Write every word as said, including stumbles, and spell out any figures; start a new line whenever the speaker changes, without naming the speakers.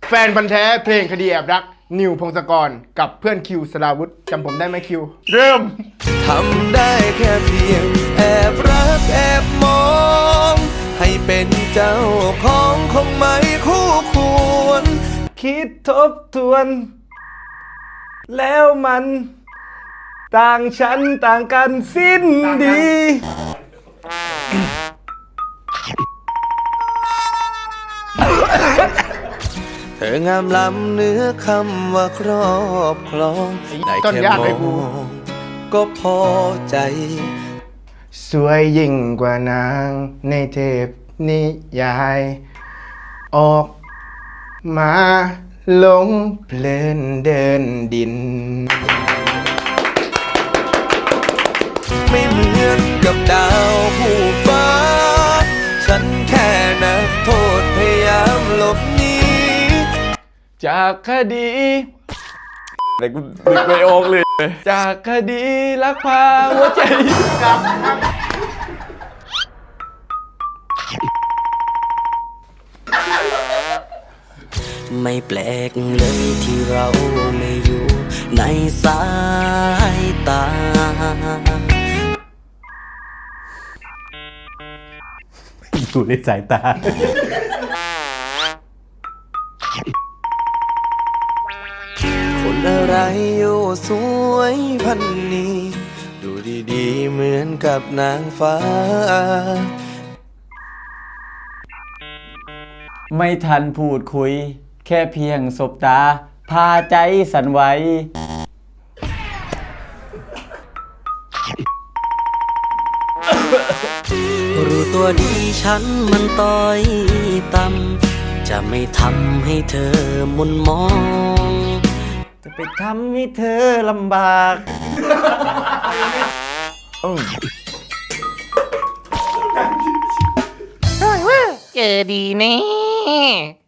แฟนพันธ์แท้เพลงคดีแอบรักนิวพงศกรกับเพื่อนคิวสราวุธจำผมได้ไหมคิว เริ่ม
ทำได้แค่เพียงแอบรักแอบมองให้เป็นเจ้าของคงไม่คู่ควร
คิดทบทวน แล้วมันต่างฉันต่างกันสิ้นดี
เธองามล้ำเนื้อคำว่าครอบครองได้
ต้น
แค่
ยาก
ม
ไอ้
อ
กู
งก็พอใจ
สวยยิ่งกว่านางในเทพนิยาย ออกมาหลงเพลินเดินดิน
ไม่เหมือนกับดาวผู้ฟ้า ฉันแค่นักโทษพยายามหลบหนี
จากคดีอะไรกูนึกไม่ออกเลย จากคดีลักพาหัวใจ
ไม่แปลกเลยที่เราไม่อยู่ในสายตา
อยู่ในสายตา
คนอะไรอยู่สวยพันนี้ ดูดีๆเหมือนกับนางฟ้า
ไม่ทันพูดคุย แค่เพียงสบตา พาใจสั่นไหว
รู้ตัวดีฉันมันต้อยต่ำจะไม่ทำให้เธอมุนมอง
จะไปทำให้เธอลำบากอืม
เจอดีแน่